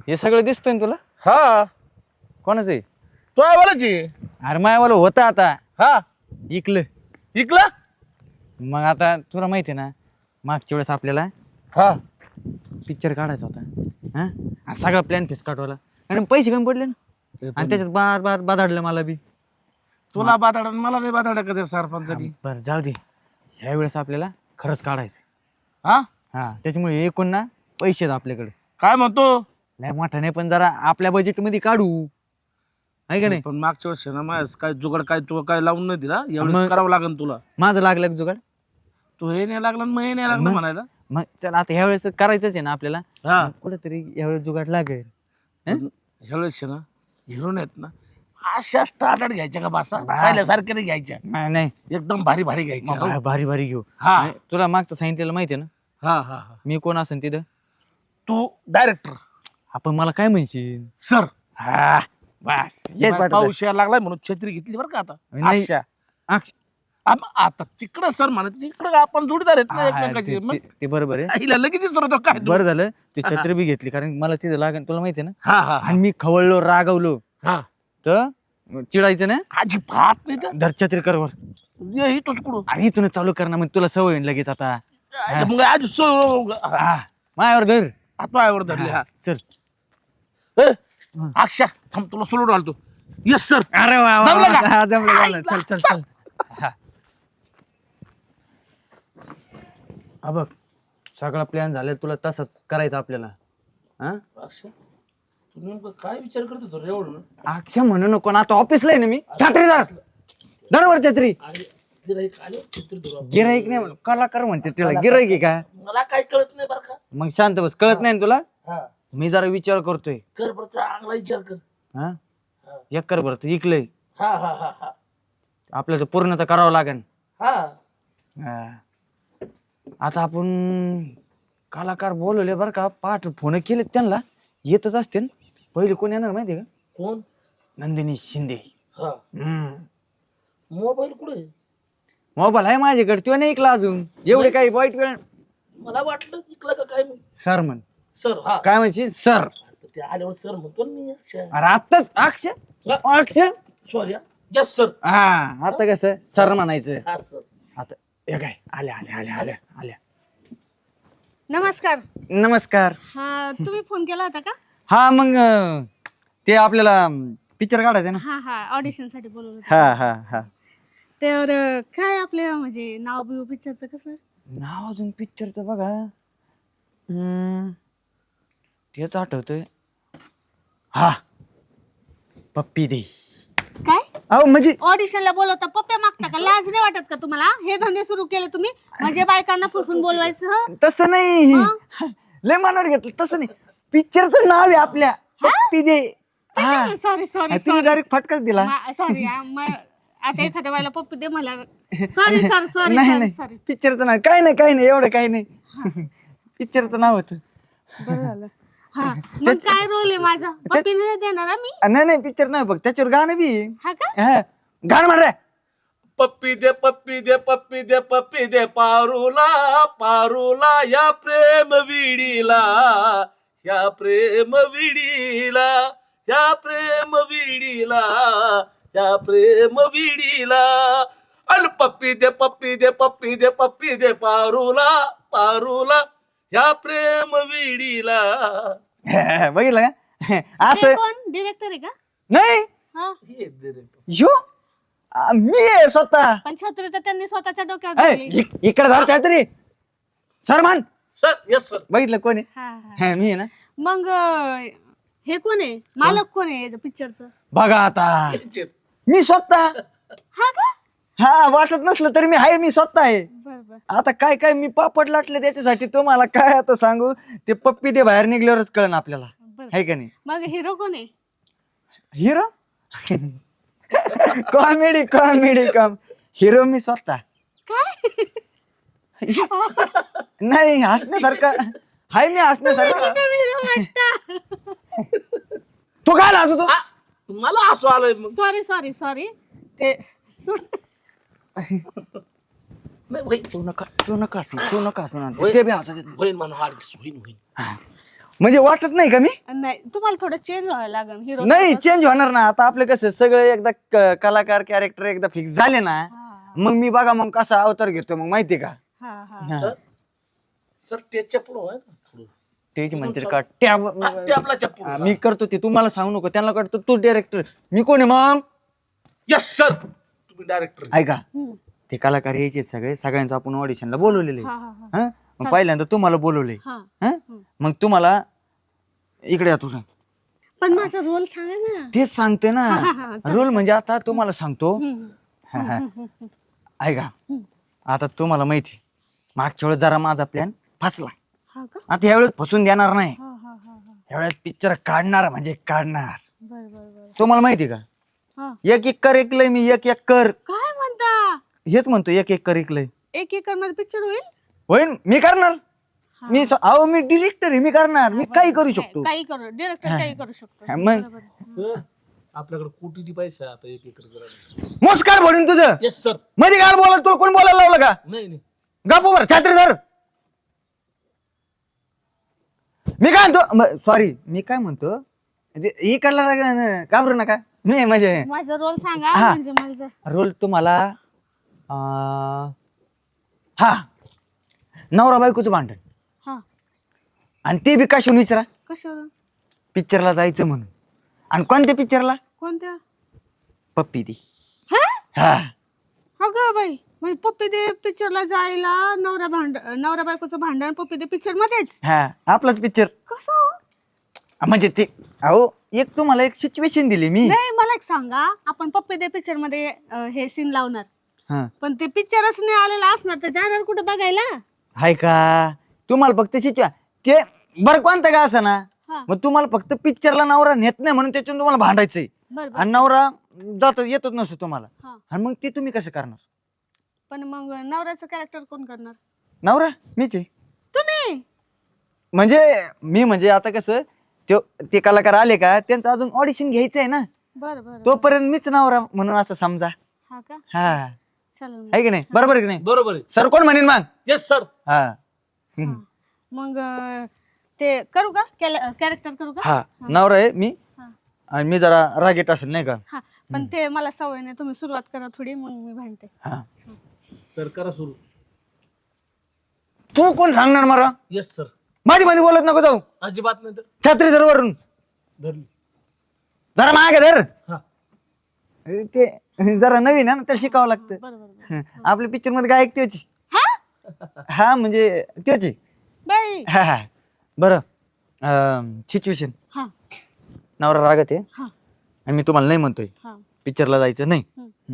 हे सगळं दिसतंय ना तुला? हा कोणाचं आहे? तो आहे बोलायची. अरे मायावाला होतं आता हा इकलं. इकला. मग आता तुला माहिती आहे ना, मागच्या वेळेस आपल्याला हा पिक्चर काढायचा होता. हा सगळा प्लॅन फिस काढवायला आणि पैसे कमी पडले ना, आणि त्याच्यात बार बार बाधाडलं मला बी. तुला बाताडा मला नाही बाताडा कधी सरपंचानी. बरं जाऊ दे, ह्या वेळेस आपल्याला खरंच काढायचं. हा हा त्याच्यामुळे एकूण ना पैसे आहेत आपल्याकडे. काय म्हणतो. नाही मोठा नाही, पण जरा आपल्या बजेट मध्ये काढू, आहे का नाही? पण मागच्या वर्षी ना माझ्या काय जुगाड काय तू काय लावून नाही दिला. यावेळेस मग- करावं लागेल तुला. माझं लागलं का जुगाड? तू हे नाही लागला मग हे नाही लागलं म्हणायला. मग चल आता ह्या वेळेस करायचंच आहे ना आपल्याला. हा कुठेतरी यावेळेस जुगाड लागेल. ह्यावेळेस ना हिरोन आहेत ना अशा स्टार्टर्ड घ्यायच्या का बासा पहिल्यासारख्या नाही घ्यायच्या. नाही एकदम भारी भारी घ्यायच्या. भारी भारी घेऊ. हा. नाही, तुला मागचं सांगितलेलं माहिती आहे ना हा हा हा मी कोण असेल तिथं? तू डायरेक्टर आपण मला काय म्हणशील? सर. हा बस हेच वाटत आहे. पाऊस यायला लागलाय म्हणून छत्री घेतली बरं का आता. नाही. अशा. अक्ष- आता तिकडं सर म्हणायचं इकडं आपण जोडीदार आहेत ना हा, एकमेकाचे. मग ते बरोबर आहे. आईला लगेच विसरतो काय तू? बरं झालं ते छत्री बी घेतली, कारण मला तिथं लागेल तुला माहिती आहे ना. हा हा आणि मी खवळलो रागवलो हा तर चिडायचं ना, अजिबात नाही तर धर छत्री कर वर. ये इथंच कुठं. आणि इथून चालू कर ना, मग तुला सवय होईल लगेच आता. मग आज हा मायावर धर. हातवायावर धरले. हा चल. ए, अक्षा थांब तुला सोडून आलतो. Yes sir. अरे वा वा, जमलं का? हा, जमलं. चल चल चल. हा. हा बघ सगळा प्लॅन झाला, तुला तसंच करायचं आपल्याला. हा अक्षा तू नेमकं काय विचार करतो तो रे एवढं. अक्षा म्हणू नको ना, आता ऑफिसला आहे ना मी. छत्रीदार दरवर छत्री. गिऱ्हाईक आले छत्री धरू. गिराईक नाही, कलाकार म्हणते त्याला. गिराईक आहे का? मला काय कळत नाही बरं का. मग शांत बस, कळत नाही ना तुला? हा मी जरा विचार करतोय. कर बरं चांगला विचार कर. हा एक कर बरं, तू इकलंय हा हा हा हा आपल्याला पूर्ण तर करावं लागेल. हा हा. आता आपण कलाकार बोलवले बरं का, पाठ फोन केले त्यांना, येतच असते. पहिले कोण येणार माहिती आहे का? कोण. नंदिनी शिंदे. हा मोबाईल कुठे. मोबाईल आहे माझ्याकडे, तो नाही ऐकला अजून. एवढे काही वाईट वेळ. मला वाटलं इकलं का काय. सर म्हण. सर हा काय म्हणशील सर? ते आल्यावर सर म्हणतो ना मी. अच्छा अरे आत्ताच अक्षर सॉरी यस सर. हा आता कसं सर म्हणायचं. हा सर. आता हे काय आल्या आल्या आल्या आल्या आल्या. नमस्कार. नमस्कार. हा तुम्ही फोन केला होता का? हा मग ते आपल्याला पिक्चर काढायचं ना. हा हा ऑडिशन साठी बोलवलं होतं. हा हा हा. तर काय आपल्या म्हणजे नाव बिव पिक्चरचं कसं? नाव अजून पिक्चरचं बघा. तेच आठवतंय. हा पप्पी दे. काय अहो म्हणजे ऑडिशनला बोलवता पप्प्या मागता का? लाज नाही वाटत का तुम्हाला? हे धंदे सुरू केले तुम्ही म्हणजे बायकांना फसवून बोलवायचं. हं? तसं नाही, लय मनावर घेतलं तसं नाही. पिक्चरचं नाव आहे आपल्या पप्पी दे. हा सॉरी सॉरी तुम्ही डायरेक्ट फटकाच दिला. सॉरी आता एखाद्या वेळेला पप्पी दे मला. सॉरी सॉरी सॉरी नाही सॉरी नाही सॉरी. पिक्चरचं नाव काही नाही एवढं काही नाही. पिक्चरचं नाव होतं. बरं झालं. हा मग काय रोल आहे माझा? पप्पी नाही देणार मी. नाही पिक्चर नाही बघ, त्याच्यावर गाणं बी आहे. हा का? हा, गाणं म्हण रे. पप्पी दे पप्पी दे पप्पी दे पप्पी दे पारूला पारूला या प्रेम विडीला या प्रेम विडीला या प्रेम विडीला या प्रेम विडीला. अल पप्पी दे पप्पी दे पप्पी दे पप्पी दे पारूला पारूला या प्रेम विडीला. बघितलं का ते असं? कोण डिरेक्टर आहे का? नाही हा यो मी आहे स्वतः. पण छत्री तर त्यांनी स्वतःच्या डोक्यावर ठेवली. इकडे धर छत्री. सर मान. Sir yes sir. बघितलं कोण आहे? हा, हा. हा, मी आहे ना. मग हे कोण आहे? मालक कोण आहे पिक्चरचं? बघा आता मी स्वतः. हा का? हा वाटत नसलं तरी मी आहे, मी स्वतः आहे. बर बर. आता काय काय मी पापड लाटले त्याच्यासाठी, तुम्हाला काय आता सांगू. ते पप्पी ते बाहेर निघल्यावरच कळण आपल्याला, बर. आहे का नाही? मग हिरो कोण आहे? Hero comedy comedy com hero मी स्वतः. काय? नाही हसण्यासारखं हाय, मी हसण्यासारखं. हिरो वाटता. तू काय लाजू तू? मला असं आलंय मग. Sorry sorry sorry. ते सोड. नाही, होईन तू नका हसू, तू नका हसू ना. ते बी हसत आहेत. होईन म्हणून होईन होईन. म्हणजे वाटत नाही का मी नाही तुम्हाला थोडं चेंज व्हावं लागेल हिरो. नाही चेंज होणार ना आता आपलं कसं सगळे एकदा कलाकार कॅरेक्टर एकदा फिक्स झाले ना मग मी बघा मग कसा अवतार घेतो मग माहिती का सर सर त्याच्या पुढं तेच म्हणते का टॅब आपला चप्पू मी करतो ते तुम्हाला सांगू नको त्यांना कळतं तू डायरेक्टर मी कोण आहे मग यस सर तुम्ही डायरेक्टर ऐका ते कलाकार यायचे सगळे सगळ्यांचं आपण ऑडिशनला बोलवलेले मग पहिल्यांदा तुम्हाला बोलवले मग तुम्हाला इकडे या तुला पण माझा रोल सांगा ना. तेच सांगते ना रोल म्हणजे आता तुम्हाला सांगतो ऐका आता तुम्हाला माहिती मागच्या वेळेस जरा माझा प्लॅन फसला आता यावेळेस फसून देणार नाही यावेळेस पिक्चर काढणार म्हणजे काढणार तुम्हाला माहिती का एक एक कर ऐकलंय मी एक एक कर काय म्हणता. हेच म्हणतो एक एक कर ऐकलंय एक एकर मध्ये पिक्चर होईल. होईल मी करणार मी अहो मी डिरेक्टर आहे मी करणार मी काही करू शकतो काही करू डिरेक्टर काही करू शकतो. मग सर आपल्याकडे कोटी पैसा आहे आता 1 एकर करायला. मोस्कार भडून तुझं येस सर. मध्ये काय बोला तुला कोण बोलायला लावलं का नाही नाही गप्पूवर छात्री धर मी काय म्हणतो सॉरी मी काय म्हणतो इकडला घाबरू नका मी म्हणजे माझा रोल सांगा हा. म्हणजे माझा रोल तुम्हाला हा नवरा बायकोचं भांडण हा आणि ते बी कशाहून विचारा कशावर पिक्चरला जायचं म्हणून आणि कोणत्या पिक्चरला कोणत्या पप्पी दी हा हा अगं बाई म्हणजे पप्पी दे पिक्चरला जायला नवरा बायकोचं भांडण पप्पी दे पिक्चर मध्येच हा आपलाच पिक्चर कसं. म्हणजे ते अहो एक तुम्हाला एक सिच्युएशन दिली मी नाही मला एक सांगा आपण पप्पी दे पिक्चर मध्ये हे सीन लावणार हा पण ते पिक्चरच नाही आलेला असणार तर जाणार कुठे बघायला. हाय का तुम्हाला फक्त ते बरं कोणतं का असं ना हा. मग तुम्हाला फक्त पिक्चरला नवरा नेत नाही म्हणून त्याच्यातून तुम्हाला भांडायचंय बरोबर. आणि नवरा जात येतच नसतो तुम्हाला हा. आणि मग ते तुम्ही कसं करणार पण मग नवऱ्याचं कॅरेक्टर कोण करणार. नवरा मीच आहे तुम्ही म्हणजे आता कसं ते कलाकार आले का त्यांचं अजून ऑडिशन घ्यायचं आहे ना बरं बरं तोपर्यंत मीच नवरा म्हणून असं समजा हा का हा चालेल आहे की नाही बरोबर आहे की नाही बरोबर आहे. सर कोण म्हणेन मग येस सर. हा मग ते करू का कॅरेक्टर करू का. हा नवरा आहे मी हा. आणि मी जरा रागेट असेल नाही का हा पण ते मला सवय नाही तुम्ही सुरुवात करा थोडी मग मी भांडते. हा सर करा सुरू. तू कोण सांगणार मला येस सर. मध्ये मध्ये बोलत नको जाऊ अजिबात नाही तर छत्री धर वरून धरली. जरा मागे धर हा ते जरा नवीन आहे ना त्याला शिकावं लागतं बरोबर आपल्या पिक्चर मध्ये काय त्याची हा हा म्हणजे त्याची बाई हा हा बरं सिच्युएशन हा नवरा रागत आहे हा आणि मी तुम्हाला नाही म्हणतोय हा पिक्चरला जायचं नाही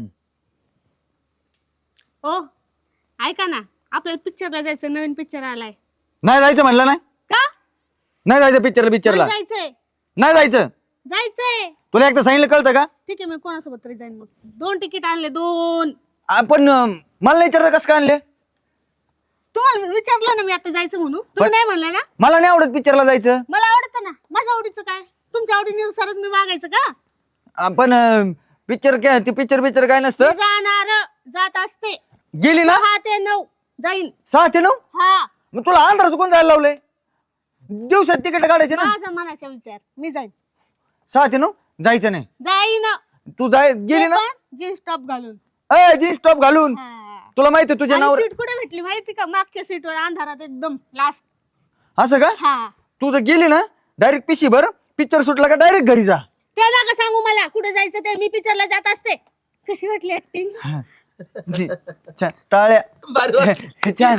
ओ ऐका ना आपल्याला पिक्चरला जायचं नवीन पिक्चर आलाय. नाही जायचं म्हणलं नाही का नाही जायचं पिक्चरला नाही जायचंय नाही जायचं जायचंय. तुला एकदा सांगितलं कळतं का ठीक आहे मी कोणासोबत तरी जाईन मग 2 तिकीट आणले 2. आपण मला नाही विचारलं कसं काय आणले तुम्हाला विचारलं ना मी आता जायचं म्हणून तुम्ही नाही म्हणले ना. मला नाही आवडत पिक्चरला जायचं मला आवडतं ना माझ्या आवडीचं काय तुमच्या आवडीनुसारच मी वागायचं का. आपण पिक्चर काय ते पिक्चर काय नसतं मी जाणार जात असते गेली ना 6 ते 9 जाईन 6 ते 9 हा मग तुला अंधाराचं कोण जायला लावलंय दिवसात तिकीट काढायचे ना माझा मनाचा विचार मी जाईन 6 ते 9 जायचं नाही जाईन तू गेली ना जीन्स टॉप घालून जीन्स टॉप घालून तुला माहिती तुझ्या नावावर सीट कुठे भेटली माहिती का मागच्या सीटवर अंधारात एकदम लास्ट. असं का हा तू जर गेली ना डायरेक्ट पिशी भर पिक्चर सुटला का डायरेक्ट घरी जा ते नका सांगू मला कुठे जायचं ते मी पिक्चरला जात असते. कशी वाटली ऍक्टिंग छान टाळ्या भारी वाटलं. छान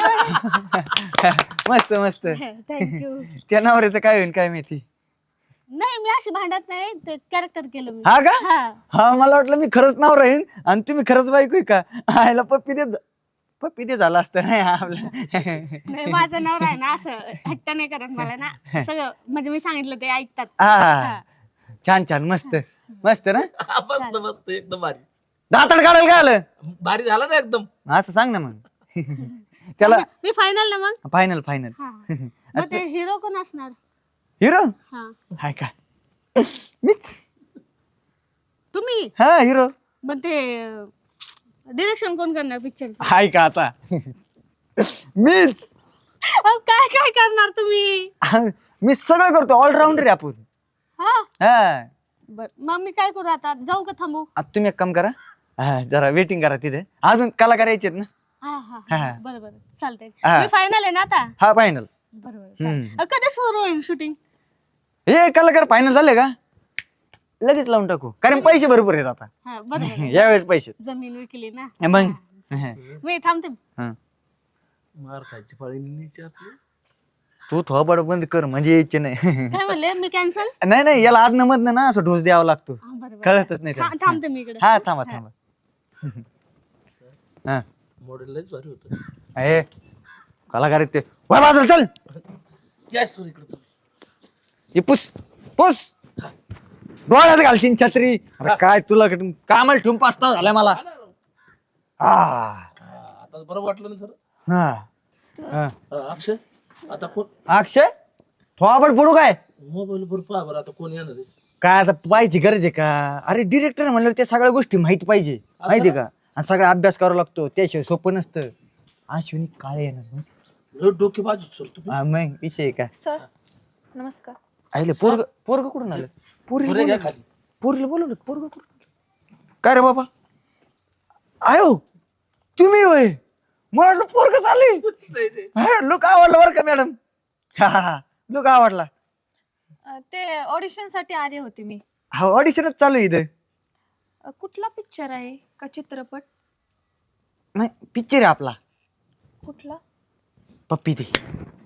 मस्त मस्त थँक्यू. त्या नवऱ्याचं काय होईल काय माहिती नाही मी अशी भांडत नाही ते कॅरेक्टर केलं मी. हा का हा हा मला वाटलं मी खरंच नाव राहीन आणि तुम्ही खरंच बायको आहे का आयला पप्पी दे झाला असतं नाही आपलं नाही माझं नवरा आहे ना असं हट्ट नाही करत मला ना सगळं म्हणजे मी सांगितलं ते ऐकतात. हा छान छान मस्त मस्त ना मस्त मस्त एकदम भारी. दातड काढायला काय आलं भारी झाला ना एकदम. असं सांग ना मग त्याला मी फायनल ना मग. फायनल फायनल हा मग ते हिरो कोण असणार. हिरो हा हाय का मीच तुम्ही हा हिरो मग ते डिरेक्शन कोण करणार पिक्चर. हाय का आता मीच अहो, काय काय करणार तुम्ही? मी सगळं करतो, ऑलराऊंडर आहे आपण. हा हा बर, मग मी काय करू आता? जाऊ का थांबू? आता तुम्ही एक काम करा, जरा वेटिंग करा तिथे, अजून कलाकार यायचे ना. हा हा हा. बरं बरं चालतंय. हा. मी फायनल आहे ना आता? हा फायनल. बरोबर चालेल. कधी सुरू होईल शूटिंग? हे कलाकार फायनल झाले का लगेच लावून टाकू, कारण पैसे भरपूर आहेत आता. हा बरोबर. यावेळेस पैसे जमीन विकली ना. मग मी थांबते. हा. मार खायची पाळी न्यायची आपली. तू थोबड बंद कर म्हणजे यायचे नाही. काय म्हणले? मी कॅन्सल? नाही नाही, याला आदन मधन ना असं ढोस द्यावा लागतो, कळतच नाही त्याला. थांबते मी इकडे. हा थांबा थांबा. हा मॉडेल लयच भारी होतं. हे कलाकार आहेत ते. वर बाजूला चल, या सर इकडे तुम्ही. हे पुस पुस, डोळ्यात घालशील छत्री. अरे काय तुला कामाला ठेवून 5 तास झालाय मला. आता बरं वाटलं ना सर. हा अक्षय आता कोण अक्षय थोबड पडू काय? मोबाईल वर पहा बरं आता कोण येणार आहे. काय आता पाहिजे गरज आहे का? अरे डिरेक्टर म्हणल्यावर त्या सगळ्या गोष्टी माहित पाहिजे, माहिती का? आणि सगळा अभ्यास करावा लागतो, त्याशिवाय सोपं नसतं. अश्विनी काळे येणार लय डोके बाजू सर तुम्ही. मग विषय आहे का? सर नमस्कार. आईले पोरग पोरग कुठून आलं? बरं घ्या खाली. पोरीला बोलवलं, पोरग कुठून? काय रे बाबा आयो तुम्ही होय? मला वाटलं पोरग चालली. लुक आवडला बरं का मॅडम. लुक आवडला. ते ऑडिशन साठी आले होते मी. हा ऑडिशनच चालू आहे इथं. कुठला पिक्चर आहे का चित्रपट? नाही पिक्चर आहे आपला, कुठला? पप्पी ते.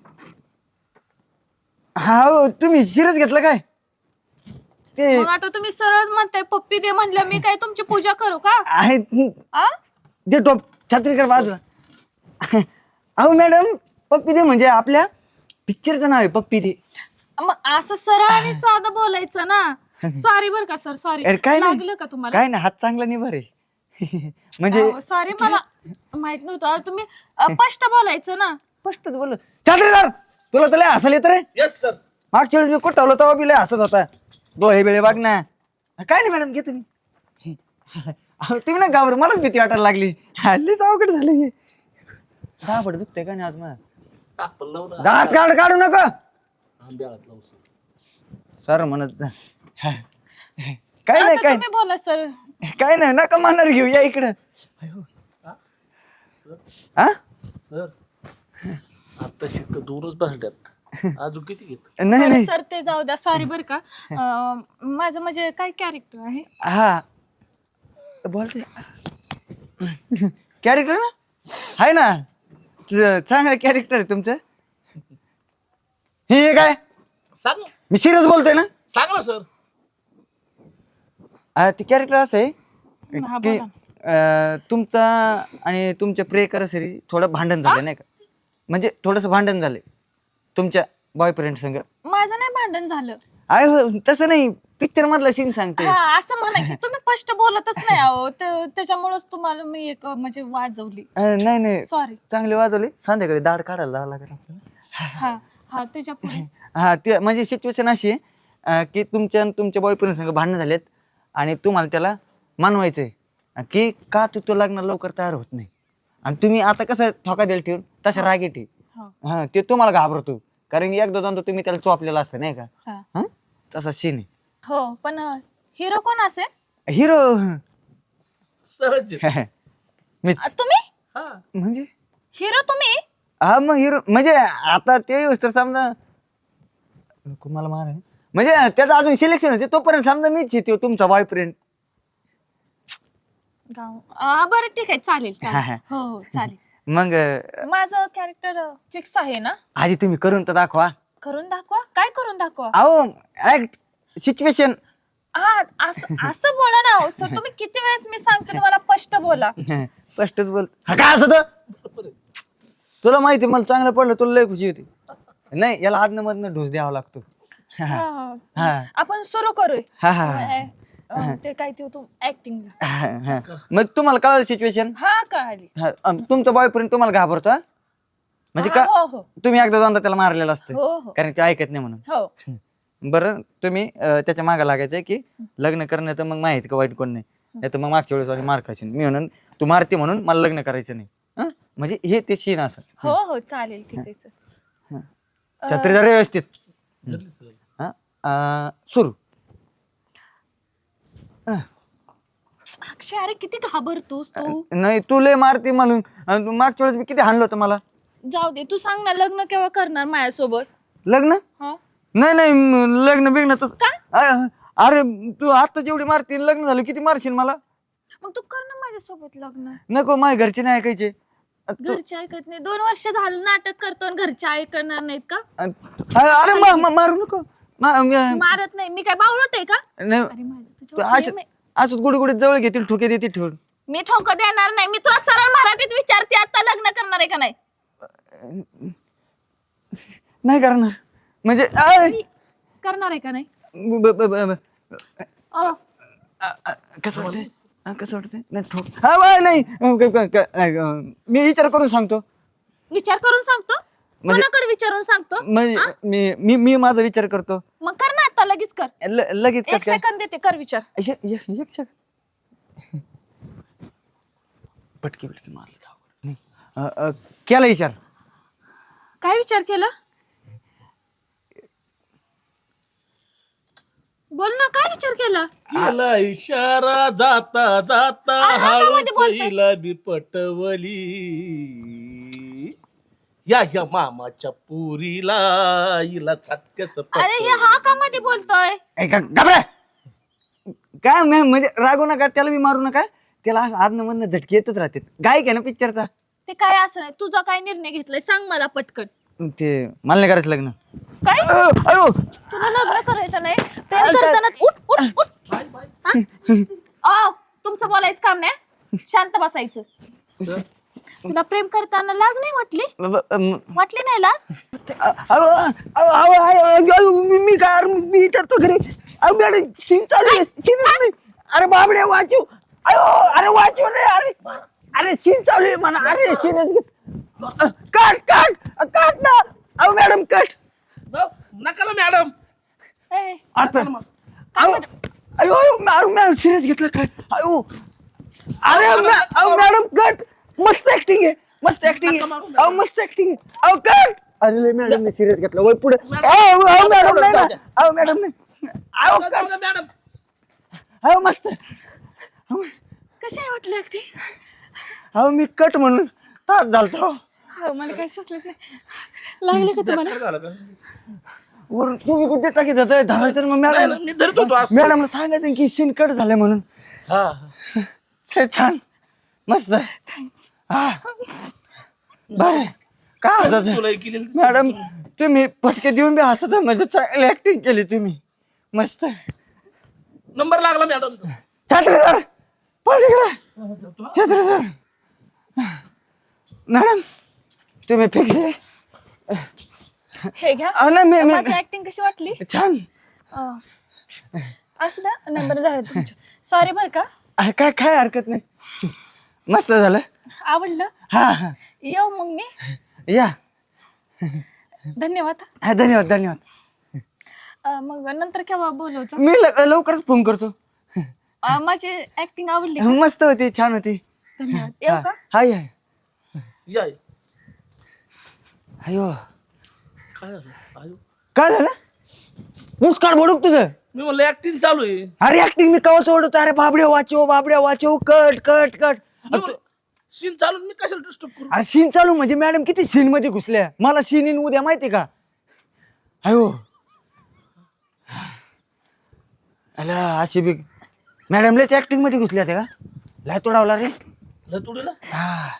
हा हो, तुम्ही सिरियस घेतलं काय ते? मग आता तुम्ही सरळ म्हणताय पप्पी दे म्हणलं, मी काय तुमची पूजा करू का? आहे आ? दे टोप छत्रीकर बाजूला. अहो मॅडम पप्पी दे म्हणजे आपल्या पिक्चरचं नाव आहे पप्पी दे. मग असं सरळ आणि साधं बोलायचं ना. सॉरी बर का सर, सॉरी. अरे काय नाही, लागलं का तुम्हाला? काय नाही, हात चांगला नाही बरे. म्हणजे सॉरी, मला माहित नव्हतं. तुम्ही स्पष्ट बोलायचं ना. स्पष्टच बोल. छत्रीदार तुला तर लय हसायला येत रे. Yes sir. मागच्या वेळेस मी कुठं ठेवलं तेव्हा बी लय हसत होता. डोळे बिळे बघ ना. काय नाही मॅडम घे तुम्ही. अहो, तुम्ही ना गावर मलाच भीती वाटायला लागली. हल्लीच अवघड झाली. दाबड दुखतंय का नाही आज मला? आपण लावू ना. दात काढू नका आंब्याळात लावू सर. सर म्हणत जा. काय नाही आता काय तुम्ही बोला सर. काय नाही, नका मानणार घेऊ, या इकडं. हा सर आता शिकत दूरच बसल्यात. अजून किती घेत? नाही बरं नाही. सर, ते जाऊ द्या. सॉरी बर का. माझं म्हणजे काय कॅरेक्टर आहे? हा बोलते कॅरेक्टर ना आहे ना, चांगलं कॅरेक्टर आहे तुमचं. हे काय सांग ना. मी सिरियस बोलतोय ना. सांग ना सर. ते कॅरेक्टर असं आहे हा, की बोला. तुमचा आणि तुमच्या प्रियकर सरी थोडं भांडण झालं नाही का? म्हणजे थोडस भांडण झालंय तुमच्या बॉयफ्रेंड संग. माझं नाही भांडण झालं. आहे हो, तसं नाही, पिक्चर मधला सीन सांगते. हा, असं म्हणा की तुम्ही स्पष्ट बोलतच नाही आहो. त्याच्यामुळेच तुम्हाला मी एक म्हणजे वाजवली. नाही नाही, सॉरी. चांगले वाजवले. संध्याकाळी दाढ काढायला लागेल आपल्याला. हा हा, त्याच्या पुढे. हा ते म्हणजे सिच्युएशन अशी आहे की तुमच्या आणि तुमच्या बॉयफ्रेंड संग भांडणं झालेत आणि तुम्हाला त्याला मानवायचंय की का तू लग्न लवकर तयार होत नाही, आणि तुम्ही आता कसं ठोका द्यायला ठेवून तसं रागीट आहे. हा. हा ते तुम्हाला घाबरतो, कारण की एकदा दोनदा तुम्ही त्याला चोपलेला असतं नाही का? हा. हा तसा सीन आहे. हो, पण हिरो कोण असेल? हिरो सरच आहे. मीच. तुम्ही हा. म्हणजे हिरो तुम्ही? हा मग हिरो म्हणजे आता ते येऊस तर समजा नको मला मार आहे. म्हणजे त्याचं अजून सिलेक्शन होते तोपर्यंत समजा मीच येते तुमचा बॉयफ्रेंड. बरं ठीक आहे, चालेल चालेल. हो हो चालेल. मग माझं कॅरेक्टर फिक्स आहे ना? आधी तुम्ही करून तर दाखवा. करून दाखवा? काय करून दाखवा? अहो ऍक्ट सिच्युएशन. हा, असं बोला ना हो सर. तुम्ही किती वेळेस मी सांगते तुम्हाला स्पष्ट बोला. स्पष्टच बोल. हा काय असं तर तुला माहिती मला चांगलं पडलं, तुला लय खुशी होती. नाही याला आदन मधनं ढोस द्यावा लागतो. हा, आपण सुरू करूया. हा हा ते काय ते तू ऍक्टिंग. मग तुम्हाला कळलं सिच्युएशन. हा, कळाली. तुमचा बॉयफ्रेंड तुम्हाला घाबरतो हा? म्हणजे का हो हो तुम्ही एकदा दोनदा त्याला मारलेलं असतं हो हो कारण ते ऐकत नाही म्हणून. हो. बरं तुम्ही त्याच्या मागे लागायचंय की लग्न करणं तर मग माहिती का वाईट कोण नाही तर मग मागच्या वेळेस आणि मार खाशील मी म्हणून तू मारते म्हणून मला लग्न करायचं नाही. म्हणजे हे ते सीन असं. हो हो चालेल, ठीक आहे सर. छत्री जरा व्यवस्थित. धरली सर. हा, सुरू. अक्षय अरे किती घाबरतोस तू. नाही तू लय मारती म्हणून. मागच्या वेळेस मी किती हाणलं होतं मला. जाऊ दे, तू सांग ना लग्न केव्हा करणार माझ्यासोबत. लग्न हा नाही नाही लग्न बिग्न तस. अरे तू आता जेवढी मारती लग्न झालं किती मारशील मला. मग तू कर ना माझ्यासोबत लग्न. नको माझ्या घरचे नाही ऐकायचे. घरचे ऐकत नाही. 2 वर्ष झालं नाटक करतो आणि घरचे ऐकणार नाहीत का. अरे मारू नको. मारत नाही मी काय बावळट आहे का. नाही अरे माझं तुझ्यावर प्रेम आहे. असंच गुडी गुडीत जवळ घेतील ठोके देतील ठेवून. मी ठोक देणार नाही. मी तुला सरळ मराठीत विचारते आता लग्न करणार आहे का नाही. नाही करणार म्हणजे करणार आहे का नाही. कसं वाटतंय कसं वाटतंय नाही ठोक हा नाही मी विचार करून सांगतो. विचार करून सांगतो. कोणाकडे विचारून सांगतो. म्हणजे मी माझा विचार करतो. मग कर ना आता लगेच कर. लगेच 1 सेकंद देते कर विचार. एक सेकंद पटकी पटकी मारलं केला विचार. काय विचार केला. बोल ना काय विचार केला. केला इशारा जाता जाता हातामध्ये हळूच बोलतोय. हिला बी पटवली या मामाच्या पुरीला हिला चटकस अरे हे हा का मध्ये बोलतोय. घाबरा काय म्हणजे रागू नका त्याला मी मारू नका. त्याला आदन मधनं झटके येतच राहते. गायक आहे ना पिक्चरचा. ते काय असं नाही. तुझा काय निर्णय घेतलाय सांग मला पटकन. ते मला नाही करायचं लग्न. काय अयो तुला लग्न करायचं नाही. प्रेम करताना उठ उठ उठ. हा? तुमचं बोलायचं काम नाही. शांत बसायचं. तुला प्रेम करताना लाज नाही वाटली नाही लाज. मी काय मी विचारतो घरी. मॅडम सीन चालू आहे. सीनच नाही. अरे बाबडे वाचू. अयो अरे वाचू रे. अरे अरे सीन चालू आहे म्हणा. अरे सीनच कट कट कट ना. अहो मॅडम कट नका मॅडम. ए, आता अयो मॅडम सिरियस घेतलं काय. अयो अरे मॅडम कट. मस्त ऍक्टिंग आहे. मस्त ऍक्टिंग आहे. अहो मस्त ऍक्टिंग आहे. अहो कट. अरे मॅडम मी सिरियस घेतलं वय पुढे. अहो मॅडम नाही ना. अहो मॅडम नाही. अहो कट. मॅडम अहो मस्त. कशी आहे वाटली ऍक्टिंग. अहो मी कट म्हणून तास झालतो. मला काही सुचलत नाही. लागले का तुम्हाला. झालं का वरून तुम्ही कुठे टाकीत जातोय धावायचं मग मॅडम. मी धरतो तो असं. मॅडमला सांगायचं की सीन कट झालं म्हणून. हा छान मस्त. हा बर काय हसत तुला केलेलं मॅडम तुम्ही पटके देऊन बी हसत म्हणजे चांगली ऍक्टिंग केली तुम्ही. मस्त. नंबर लागला मॅडम. छात्रधर पळ तिकडे. छात्रधर मॅडम तुम्ही फिक्स आहे. हे घ्या. नाही मी माझी ऍक्टिंग कशी वाटली. छान. असू द्या नंबर झाला तुमच्या. सॉरी बर का. काय काय हरकत नाही. मस्त झालं. आवडलं. हा हा येऊ मग मी. या. धन्यवाद. हा धन्यवाद धन्यवाद. मग नंतर केव्हा बोलवतो. मी लवकरच फोन करतो. माझी ऍक्टिंग आवडली का? मस्त होती छान होती. धन्यवाद. येऊ का. हाय हाय. या अयो काय झालं आयो काय झालं. मुस्कान बोडूक तुझं. मी म्हणलं ऍक्टिंग चालू आहे. अरे ऍक्टिंग मी कवच ओढतो. अरे बाबड्या वाचो कट कट कट. सीन चालू मी कशाला डिस्टर्ब करू. अरे सीन चालू म्हणजे मॅडम किती सीन मध्ये घुसल्या. मला सीन इन उद्या माहिती का. अयो अला अशी बी मॅडम लयच ऍक्टिंग मध्ये घुसल्या त्या का. लय तोडावला रे. तुडीला हा.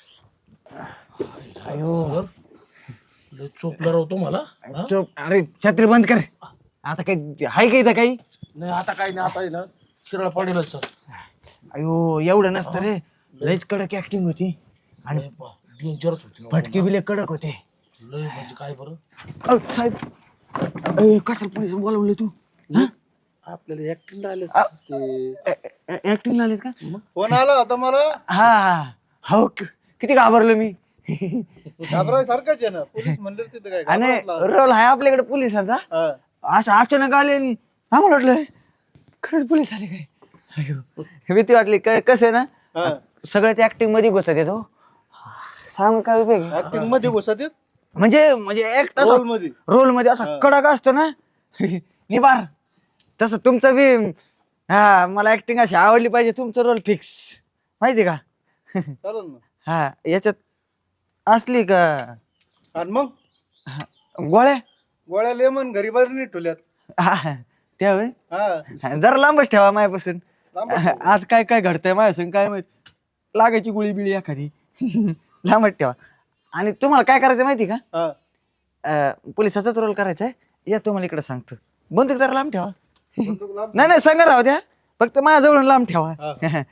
अयो लय चोपला राहतो मला. हा? चुप. अरे छत्री बंद कर. आता काही हाय का इथं काही. नाही आता काही नाही. आता आहे ना शिरळ पडेल सर. अयो एवढं नसतं रे. लयच कडक ऍक्टिंग होती. आणि डेंजरच होती. फटके बिले कडक होते. लय म्हणजे काय बरं. साहेब कशाला पोलीस बोलवलं तू. आपल्याला ऍक्टिंग राहिलं ऍक्टिंग आलेत का. फोन आला होता मला. हा हा हो किती घाबरलो मी. घाबराय सारखंच आहे ना. पोलीस म्हणले तिथे काय आणि घाबरायला रोल आहे आपल्याकडे पोलिसांचा. हा. असं अचानक आले आम्हाला वाटलं खरंच पोलीस आले काय. अयो भीती वाटली. कसं आहे ना हा. सगळ्याच ऍक्टिंग मध्ये घुसत येतो. सांग काय उपयोग. ऍक्टिंग मध्ये घुसत येत. म्हणजे म्हणजे ऍक्ट रोल मध्ये रोल मध्ये असा हा. कडक असतो ना निबार, तसं तुमचं बी. हा मला ऍक्टिंग अशी आवडली पाहिजे, तुमचं रोल फिक्स माहिती का. चालेल ना. हा याच्यात असली का आणि मग गोळ्या. गोळ्या लेमन घरी बाहेर नाही ठेवल्यात. हा त्या होय. हा जरा लांबच ठेवा माझ्यापासून. लांबच ठेवा. आज काय काय घडतंय माझ्या संग काय माहित, लागायची गोळी बिळी एखादी. लांबच ठेवा. आणि तुम्हाला काय करायचं माहिती का, हा. पोलिसाचाच रोल करायचा आहे. या तुम्हाला इकडे सांगतो, बंदूक जरा लांब ठेवा. बंदूक लांब नाही नाही सांगा राहू द्या, फक्त माझ्याजवळून लांब ठेवा. हा.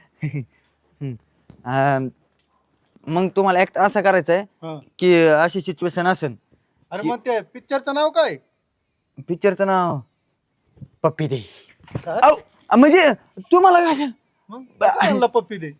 मग तुम्हाला ऍक्ट असा करायचा आहे हा. की अशी सिच्युएशन असेल. अरे मग त्या पिक्चरचं नाव काय? पिक्चरचं नाव पप्पी दे. काय? औ, म्हणजे तुम्हाला काय मग कसं म्हणला पप्पी दे?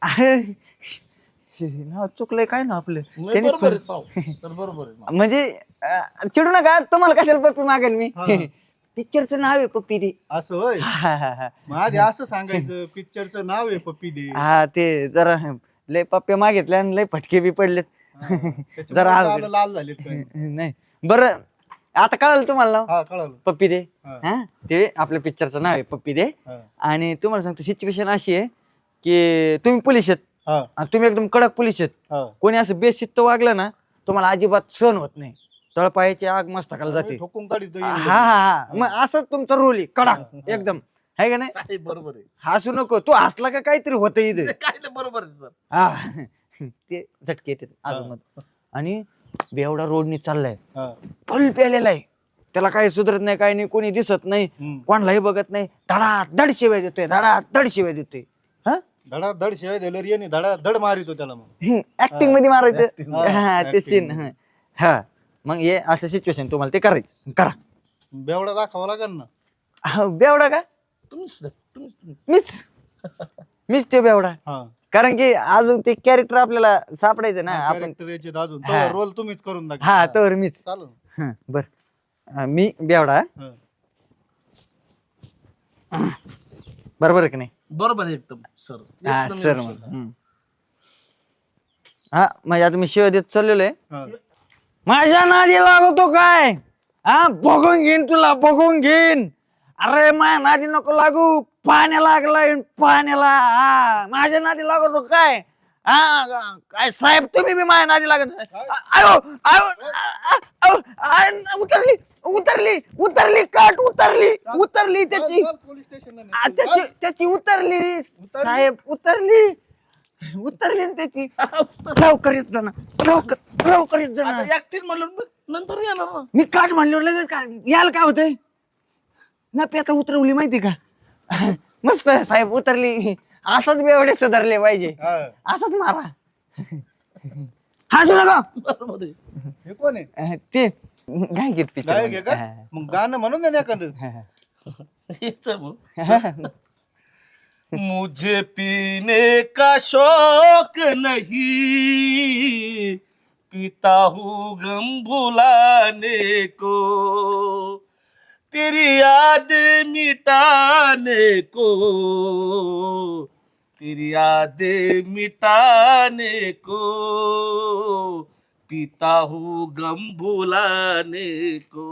नाव चुकलंय काय ना आपलं. नाही, त्यांनीच बरोबर आहे पण- पाहू. सर बरोबर आहे. म्हणजे चिडू नका, तुम्हाला कशाला पप्पी मागेल मी. हा. पिक्चरचं नाव आहे पप्पी दे. असं होय. हा, हा, हा. मग आधी असं सांगायचं पिक्चरचं नाव आहे पप्पी दे. हा ते जरा लय पप्पे मागितले आणि लय फटके बी पडलेत. त्याच्यामुळे जरा गालं अवघड. लाल झालेत काय. नाही बरं, आता कळालं तुम्हाला नाव हा कळालं. पप्पी दे. हा. हा ते आपल्या पिक्चरचं नाव आहे पप्पी दे. हा. आणि तुम्हाला सांगतो सिच्युएशन अशी आहे की तुम्ही पोलीस आहेत हा. आणि तुम्ही एकदम कडक पोलीस आहेत. हा. कोणी असं बेशिस्त वागलं ना तुम्हाला अजिबात सहन होत नाही, तळपायाची आग मस्तकाला जाते. ठोकून काढितो हा हा हा, मग असं तुमचा रोल आहे कडक एकदम, आहे का नाही. काय बरोबर आहे. हसू नको, तू हसला का काहीतरी होतं इथे. काय नाही, बरोबर आहे सर. हा ते झटके येते अजून. आणि बेवडा रोडनी चाललाय, हा. फुल प्यालेला आहे, त्याला काही सुधरत नाही, काही नाही, कोणी दिसत नाही, हम्म. कोणालाही बघत नाही, धड शिवाय देतोय, धड शिवाय देतोय. हा धडा धड शिवाय दिलं याने धडा धड मारितो त्याला. मग ऍक्टिंग मध्ये मारायचं. Acting. हा ते Acting सीन. हा मग हे असं सिच्युएशन तुम्हाला ते करायचं, करा. बेवडा दाखवा लागेल ना. हा, बेवडा का तुम्हीच मीच ते बेवडा, हा. कारण की अजून ते कॅरेक्टर आपल्याला सापडायचं ना आपण. कॅरेक्टर याचे अजून हा. रोल तुम्हीच करून दाखवा. हा तर मीच. चालेल. बर मी बेवडा. हा. बरोबर आहे की नाही. बरोबर आहे एकदम सर. हा एकदम सर व्यवस्थित. मग. हा म्हणजे आता मी शिवाय देत चाललेलो आहे. हा. माझ्या नादी लागतो काय, हा बघून घेईन तुला, बघून घेईन. अरे माझ्या नादी नको लागू, पाण्या लागलाय पाण्याला. हा माझ्या नादी लागतो काय. हा काय साहेब तुम्ही बी माझ्या नादी लागत. आयो आयो आयो, उतरली उतरली उतरली काट उतरली त्याची. चाल, पोलीस स्टेशनला त्याची त्याची उतरली साहेब, उतरली ना त्याची. लवकर येत जाणार, लवकर येत जाणार. आता ऍक्टिंग म्हणून मग नंतर येणार ना. मी काट म्हणल्यावर लगेच काय यायला काय होतंय ना, आता उतरवली माहिती का. मस्त आहे साहेब, उतरली. असंच बेवडे सुधारले पाहिजे, हा. असंच मारा. हसू नका. बरोबर आहे. हे कोण आहे? ते गायक गायक आहे का? मग गाणं म्हणून दे ना एखादं. हेच आहे मग. मुझे पीने का शौक नहीं, पीता हूँ गम भुलाने को, तेरी याद मिटाने को, तेरी याद मिटाने को, पीता हूँ गम भुलाने को,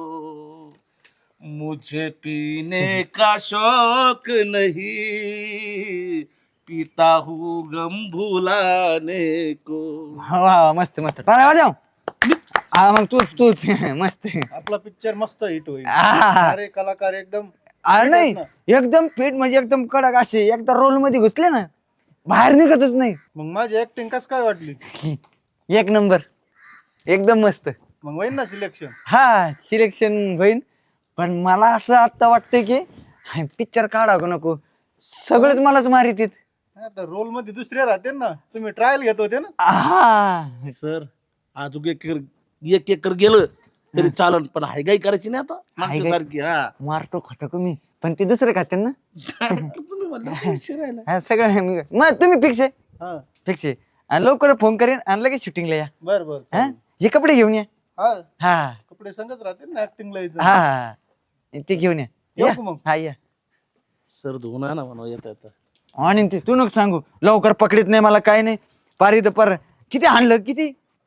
मुझे पीने का शौक नहीं, पीता हूँ गम भुलाने को. वा मस्त मस्त, टाळ्या वाजव. हा मग तूच मस्त. आपला पिक्चर मस्त हिट होईल. आ, अरे कलाकार एकदम नाही एकदम फिट, म्हणजे एकदम कडक असे, एकदा रोल मध्ये घुसले ना बाहेर निघतच नाही. मग माझी ऍक्टिंग कस काय वाटली? एक नंबर, एकदम मस्त. मग होईल ना सिलेक्शन? हा सिलेक्शन होईल, पण मला असं आता वाटतंय की पिक्चर काढावं का नको, सगळेच मलाच मारितीत. आता रोल मध्ये दुसरे राहते ना, तुम्ही ट्रायल घेत होते ना. हा सर अजून एक एकर गेलं तरी चालन, पण हायगाई करायची नाही आता मागच्या हायगाई? सारखी. हा मारतो खाता तुम्ही, पण ते दुसरे खाते ना. तुम्ही म्हणला विषय राहिला. हा, सगळं मग तुम्ही फिक्स आहे, हा. फिक्स आहे. आणि लवकर फोन करेन आणि लगेच शूटिंगला या. बर बर हा चालेल. हे कपडे घेऊन या. हा हा कपडे संगच राहते ना ऍक्टिंगला यायचं. हा ते घेऊन या. येऊ या. का मग? हा या. सर धुवून आणा म्हणा येता येता. आणि ते तू नको सांगू, लवकर पकडीत नाही मला, काय नाही. पारी तर पर किती हाणलं, किती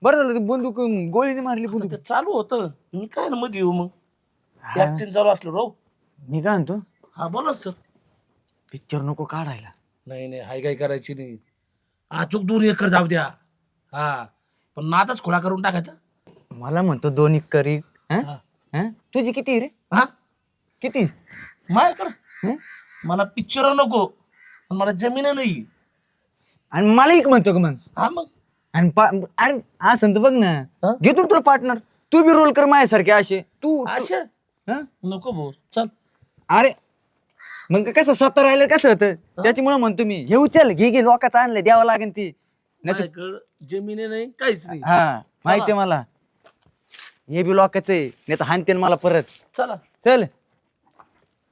बरं झालं ते बंदूक गोळीने मारली बंदूक. ते चालू होतं मी काय ना मध्ये येऊ मग ऍक्टिंग चालू असलं राहू. मी काय म्हणतो हा बोला सर. पिक्चर नको काढायला. नाही नाही हाय काय करायची नाही. अचूक 2 एकर जाऊ द्या. हा पण नादच खोडा करून टाकायचा. मला म्हणतो 2 एकर हा. तुझी किती रे? हा किती? माझ्याकडं हं? मला पिक्चर नको पण मला जमीन नाही. आणि मला एक म्हणतो का मग? हा मग आणि अरे असं तर बघ ना हा? घेतो ना तुला पार्टनर. तू बी रोल कर माझ्यासारखे असे. तू अशा हं? नको भाऊ चल. अरे मग कसं स्वतः राहिलं कसं होतं त्याच्यामुळे म्हणतो मी हे उचल घे लोकात आणलं द्यावं लागेल ती. नाही तर- माझ्याकडं जमिनी नाही काहीच नाही. हा माहितीये मला हे बी लोकाच आहे नाही तर हानते मला परत. चला चल